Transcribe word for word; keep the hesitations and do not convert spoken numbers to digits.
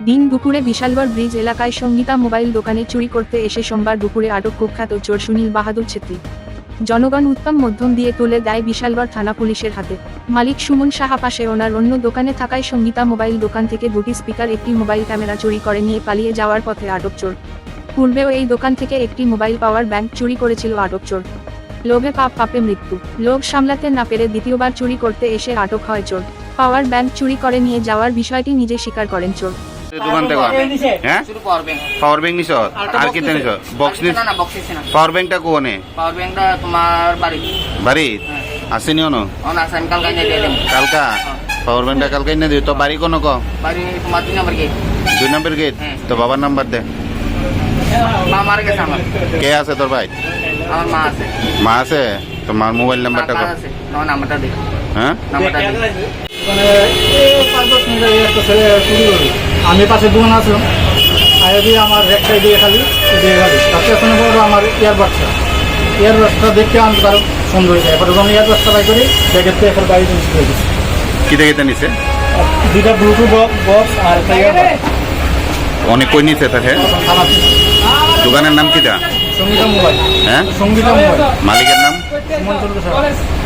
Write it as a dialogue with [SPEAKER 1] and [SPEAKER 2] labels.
[SPEAKER 1] দিন দুপুরে বিশালগড় ব্রিজ এলাকায় সঙ্গীতা মোবাইল দোকানে চুরি করতে এসে সোমবার দুপুরে আটক কুখ্যাত চোর সুনীল বাহাদুর ছেত্রী। জনগণ উত্তম মধ্যম দিয়ে তুলে দেয় বিশালগড় থানা পুলিশের হাতে। মালিক সুমন সাহা পাশে ওনার অন্য দোকানে থাকায় সঙ্গীতা মোবাইল দোকান থেকে দুটি স্পিকার, একটি মোবাইল ক্যামেরা চুরি করে নিয়ে পালিয়ে যাওয়ার পথে আটক চোর। পূর্বেও এই দোকান থেকে একটি মোবাইল পাওয়ার ব্যাংক চুরি করেছিল আটক চোর। লোভে পাপ পাপে মৃত্যু। লোভ সামলাতে না পেরে দ্বিতীয়বার চুরি করতে এসে আটক হয় চোর। পাওয়ার ব্যাংক চুরি করে নিয়ে যাওয়ার বিষয়টি নিজে স্বীকার করেন চোর।
[SPEAKER 2] দোকান থেকে হ্যাঁ পাওয়ার ব্যাংক নিছ আর কি নিছ বক্স নিছ পাওয়ার ব্যাংকটা কোনে
[SPEAKER 3] পাওয়ার ব্যাংকটা তোমার বাড়ি
[SPEAKER 2] বাড়ি আসেনি অন
[SPEAKER 3] অন আছে আমি কালকে নিয়ে দিলাম
[SPEAKER 2] কালকা পাওয়ার ব্যাংকটা কালকে নিয়ে দিও তো বাড়ি কোন ক
[SPEAKER 3] বাড়ি তোমার দুই নম্বর গেট
[SPEAKER 2] দুই নম্বর গেট তো বাবার নাম্বার দে
[SPEAKER 3] মা মারা গেছে আমার
[SPEAKER 2] কে আছে তোর ভাই
[SPEAKER 3] আমার মা আছে
[SPEAKER 2] মা আছে তো মার মোবাইল নাম্বারটা কো
[SPEAKER 3] আছে না নাম্বারটা দে
[SPEAKER 2] হ্যাঁ
[SPEAKER 3] নাম্বারটা দে
[SPEAKER 4] মানে এই পাঁচ দশ মিনিট আগে একটা ছেলে চুরি করলো। আমি পাশে দোকান আসলাম, আগে দিয়ে আমার রেকটাই দিয়ে খালি দিয়ে খালি তাতে শুনে বড় আমার ইয়ারবাডসটা ইয়ারবাডসটা দেখতে আমি তার সুন্দর হয়ে যায়। এবার যখন ইয়ারবাডসটা বাই করি ব্যাগের থেকে এখন বাইরে জিনিস করে দিচ্ছি,
[SPEAKER 2] কি দেখে নিছে
[SPEAKER 4] দুইটা ব্লুটুথ বক্স আর একটা ইয়ারবাড
[SPEAKER 2] অনেক কই নিছে তাকে
[SPEAKER 4] থানা
[SPEAKER 2] দোকানের নাম কিটা
[SPEAKER 4] সঙ্গীতা মোবাইল
[SPEAKER 2] হ্যাঁ
[SPEAKER 4] সঙ্গীতা মোবাইল
[SPEAKER 2] মালিকের নাম
[SPEAKER 4] সুমন চন্দ্র সাহা।